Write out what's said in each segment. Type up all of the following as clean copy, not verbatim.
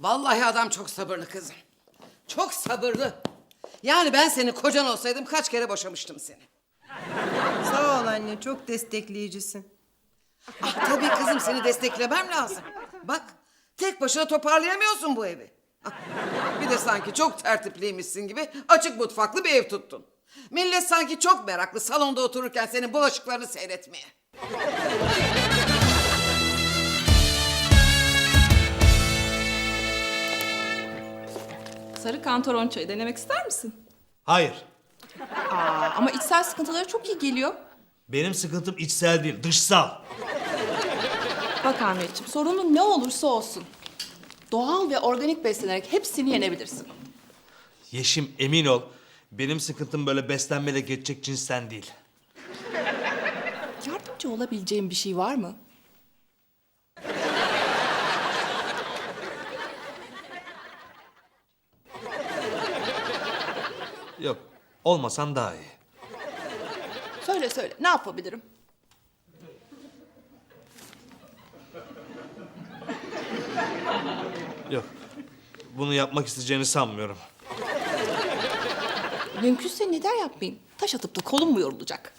Vallahi adam çok sabırlı kızım. Çok sabırlı. Yani ben senin kocan olsaydım kaç kere boşamıştım seni. Sağ ol anne, çok destekleyicisin. Ah tabii kızım, seni desteklemem lazım. Bak, tek başına toparlayamıyorsun bu evi. Ah, bir de sanki çok tertipliymişsin gibi açık mutfaklı bir ev tuttun. Millet sanki çok meraklı salonda otururken senin bulaşıklarını seyretmeye. Sarı kantaron çayı denemek ister misin? Hayır. Ama içsel sıkıntıları çok iyi geliyor. Benim sıkıntım içsel değil, dışsal. Bak Ahmetciğim, sorunun ne olursa olsun, doğal ve organik beslenerek hepsini yenebilirsin. Yeşim, emin ol. Benim sıkıntım böyle beslenmeyle geçecek cinsten değil. Yardımcı olabileceğim bir şey var mı? Yok, olmasan daha iyi. Söyle söyle, ne yapabilirim? Yok, bunu yapmak isteyeceğini sanmıyorum. Mümkünse neden yapmayayım? Taş atıp da kolum mu yorulacak?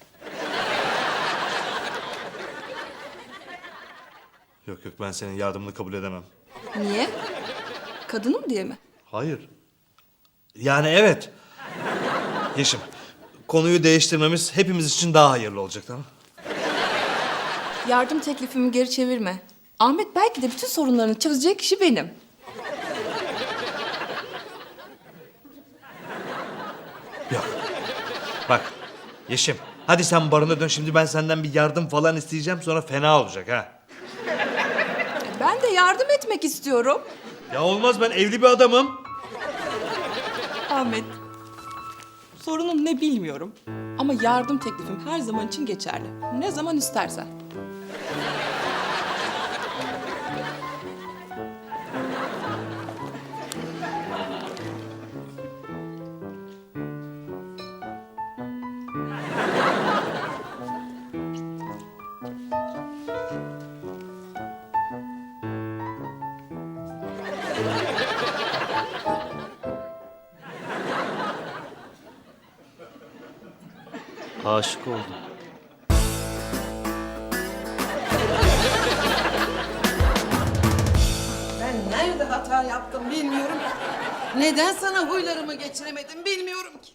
Yok, ben senin yardımını kabul edemem. Niye? Kadınım diye mi? Hayır. Yani evet. Yeşim, konuyu değiştirmemiz hepimiz için daha hayırlı olacak, tamam mı? Yardım teklifimi geri çevirme. Ahmet belki de bütün sorunlarını çözecek kişi benim. Yok. Bak, Yeşim, hadi sen barına dön. Şimdi ben senden bir yardım falan isteyeceğim, sonra fena olacak ha. Ben de yardım etmek istiyorum. Ya olmaz, ben evli bir adamım. Ahmet, sorunun ne bilmiyorum. Ama yardım teklifim her zaman için geçerli. Ne zaman istersen. Aşık oldum. Ben nerede hata yaptım bilmiyorum ki. Neden sana huylarımı geçiremedim bilmiyorum ki.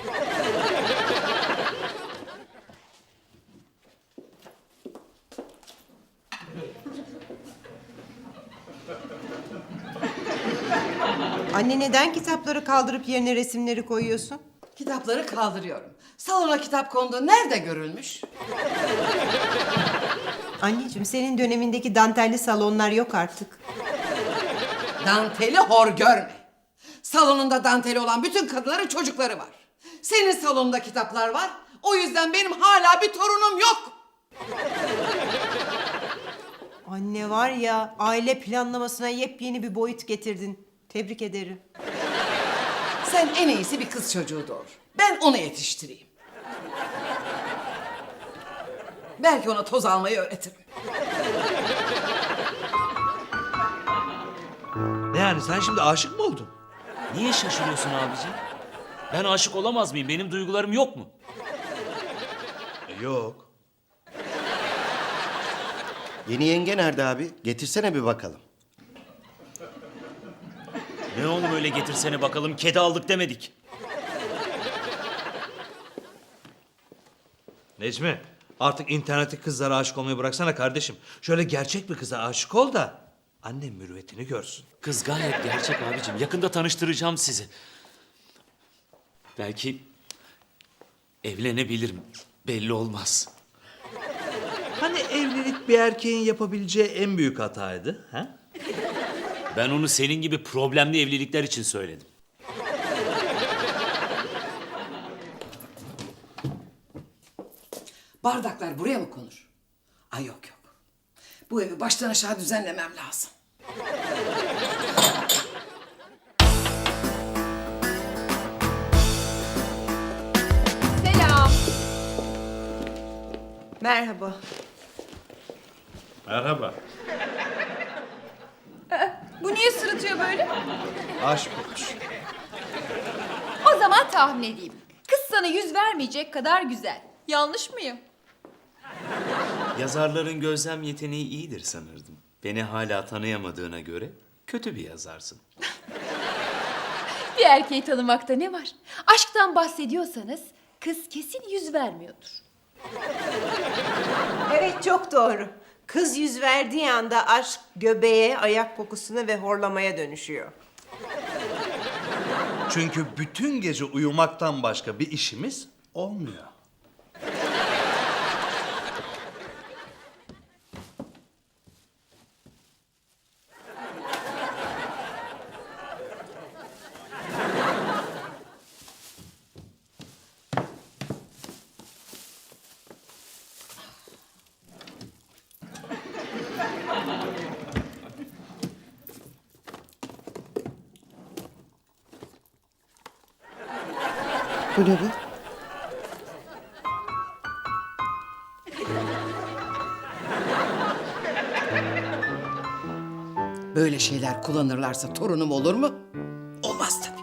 Anne, neden kitapları kaldırıp yerine resimleri koyuyorsun? Kitapları kaldırıyorum. Salona kitap konduğu nerede görülmüş? Anneciğim, senin dönemindeki dantelli salonlar yok artık. Danteli hor görme. Salonunda danteli olan bütün kadınların çocukları var. Senin salonunda kitaplar var. O yüzden benim hala bir torunum yok. Anne var ya, aile planlamasına yepyeni bir boyut getirdin. Tebrik ederim. Sen en iyisi bir kız çocuğu doğur. Ben onu yetiştireyim. Belki ona toz almayı öğretirim. Ne yani, sen şimdi aşık mı oldun? Niye şaşırıyorsun abicim? Ben aşık olamaz mıyım? Benim duygularım yok mu? Yok. Yeni yenge nerede abi? Getirsene bir bakalım. Ne oğlum öyle getirsene bakalım, kedi aldık demedik. Necmi, artık internette kızlara aşık olmayı bıraksana kardeşim. Şöyle gerçek bir kıza aşık ol da annem mürüvvetini görsün. Kız gayet gerçek abicim. Yakında tanıştıracağım sizi. Belki evlenebilirim. Belli olmaz. Hani evlilik bir erkeğin yapabileceği en büyük hataydı, ha? Ben onu senin gibi problemli evlilikler için söyledim. Bardaklar buraya mı konur? Ay yok yok. Bu evi baştan aşağı düzenlemem lazım. Selam. Merhaba. Merhaba. Bu niye sırıtıyor böyle? Aşk olmuş. O zaman tahmin edeyim. Kız sana yüz vermeyecek kadar güzel. Yanlış mıyım? Yazarların gözlem yeteneği iyidir sanırdım. Beni hala tanıyamadığına göre kötü bir yazarsın. Bir erkeği tanımakta ne var? Aşktan bahsediyorsanız kız kesin yüz vermiyordur. Evet, çok doğru. Kız yüz verdiği anda aşk göbeğe, ayak kokusuna ve horlamaya dönüşüyor. Çünkü bütün gece uyumaktan başka bir işimiz olmuyor. Bu ne be? Böyle şeyler kullanırlarsa torunum olur mu? Olmaz tabii.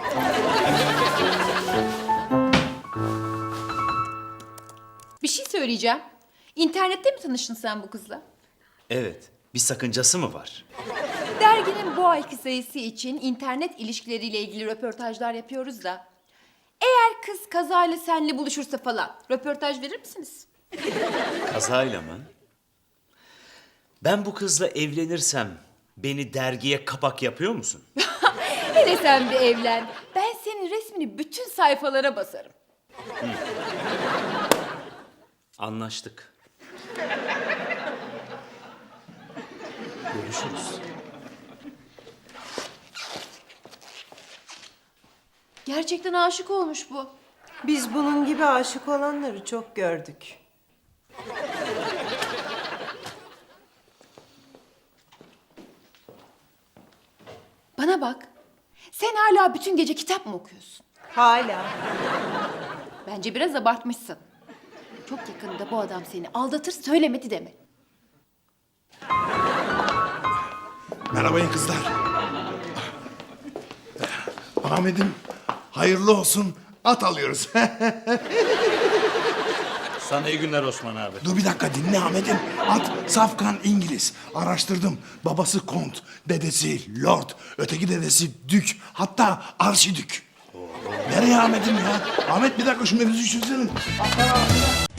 Bir şey söyleyeceğim. İnternette mi tanıştın sen bu kızla? Evet, bir sakıncası mı var? Derginin bu ayki sayısı için internet ilişkileriyle ilgili röportajlar yapıyoruz da. Eğer kız kazayla seninle buluşursa falan röportaj verir misiniz? Kazayla mı? Ben bu kızla evlenirsem beni dergiye kapak yapıyor musun? Hele sen bir evlen. Ben senin resmini bütün sayfalara basarım. Anlaştık. Görüşürüz. Gerçekten aşık olmuş bu. Biz bunun gibi aşık olanları çok gördük. Bana bak. Sen hala bütün gece kitap mı okuyorsun? Hala. Bence biraz abartmışsın. Çok yakında bu adam seni aldatır söylemedi deme. Merhaba kızlar. Ahmet'im hayırlı olsun, at alıyoruz. Sana iyi günler Osman abi. Dur bir dakika dinle Ahmet'im. At safkan İngiliz. Araştırdım. Babası kont, dedesi lord, öteki dedesi dük, hatta arşidük. Nereye Ahmet'im ya? Ahmet bir dakika şu mevzuyu çözelim.